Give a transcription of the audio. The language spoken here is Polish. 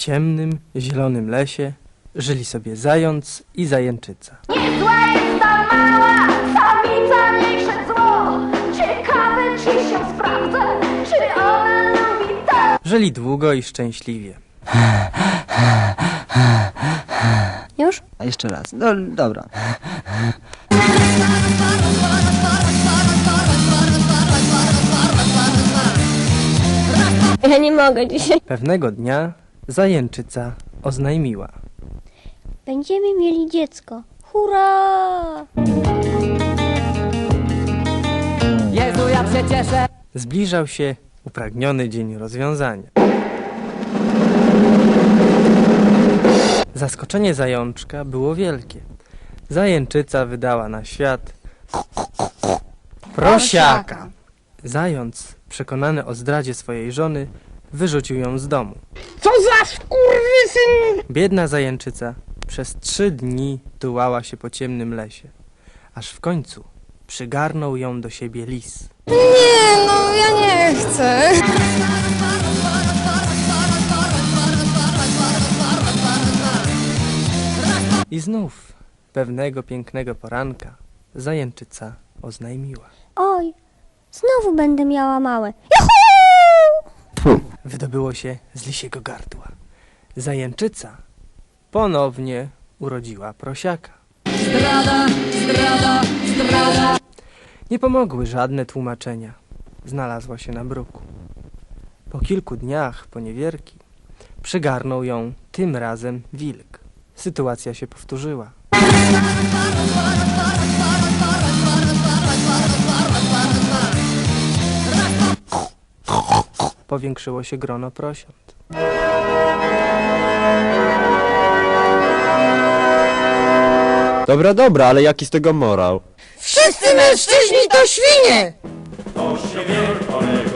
ciemnym, zielonym lesie żyli sobie zając i zajęczyca. Niezła jest ta mała samica, mniejsze zło. Ciekawe, czy się sprawdza, czy ona lubi to. Żyli długo i szczęśliwie. Już? A jeszcze raz. No dobra. Ja nie mogę dzisiaj. Pewnego dnia zajęczyca oznajmiła: Będziemy mieli dziecko. Hurra! Jezu, ja się cieszę. zbliżał się upragniony dzień rozwiązania. Zaskoczenie zajączka było wielkie. Zajęczyca wydała na świat prosiaka. Zając, przekonany o zdradzie swojej żony, wyrzucił ją z domu. Co za skurwysyn! Biedna zajęczyca przez 3 dni tułała się po ciemnym lesie, aż w końcu przygarnął ją do siebie lis. Nie, no ja nie chcę. I znów pewnego pięknego poranka zajęczyca oznajmiła: Oj, znowu będę miała małe. wydobyło się z lisiego gardła. Zajęczyca ponownie urodziła prosiaka. Zdrada, zdrada, zdrada. Nie pomogły żadne tłumaczenia. Znalazła się na bruku. Po kilku dniach poniewierki przygarnął ją tym razem wilk. Sytuacja się powtórzyła. Powiększyło się grono prosiąt. Dobra, ale jaki z tego morał? Wszyscy mężczyźni to świnie! To się wielko